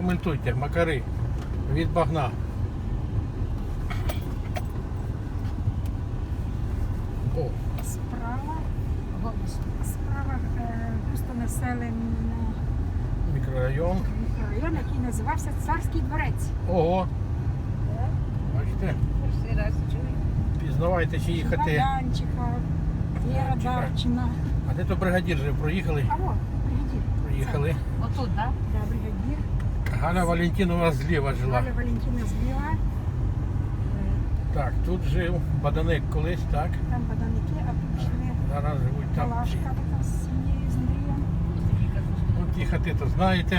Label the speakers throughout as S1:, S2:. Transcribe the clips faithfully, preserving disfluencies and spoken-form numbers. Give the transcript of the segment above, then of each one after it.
S1: Прокоментуйте, Макари від багна. О,
S2: Справа, справа е, густонаселений
S1: мікрорайон.
S2: мікрорайон, який називався Царський дворець.
S1: Ого. Бачите?
S3: Перший раз чую.
S1: Пізнавайте, чи їхати.
S2: Янчика, Віра Дарчина.
S1: А де то бригадір жив? Проїхали?
S2: А о, бригадір.
S1: Проїхали.
S3: Отут, так?
S2: Да, бригадір.
S1: Галя Валентинова зліва жила.
S2: Галя Валентина зліва.
S1: Так, тут жив Баданик колись, так?
S2: Там Баданики, а тут жили
S1: Зараз живуть там.
S2: Палашка така з сім'єю, з Андрієм.
S1: От ті хати то знаєте.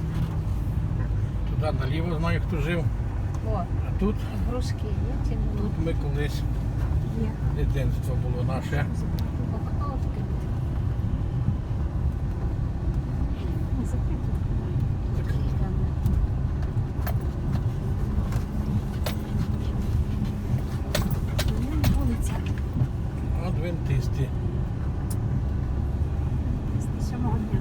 S1: Туди наліво знаю, хто жив.
S3: О,
S1: А тут,
S3: грушки є чи ні?
S1: тут ми колись,
S2: Є.
S1: дитинство було наше.
S3: Окно відкрите.
S2: Не закрито. Ну, вулиця.
S1: Адвентисти.
S2: З сьомого дня.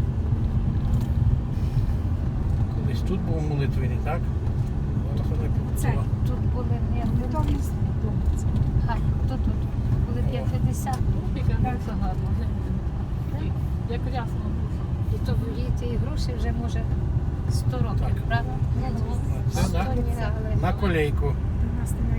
S1: Колись тут був молитвений, так? Зараз вони
S2: Це.
S1: побудували.
S3: Тут були не
S2: Готовність. Вулиця.
S3: А, тут, тут. Були п'ятдесят.
S2: Так.
S3: Це гарно. Як рясно. І то і ті груші вже може сто років,
S1: Так.
S3: правда?
S1: Це на,
S3: Сто ні, але-
S1: на колейку.
S2: До нас немає.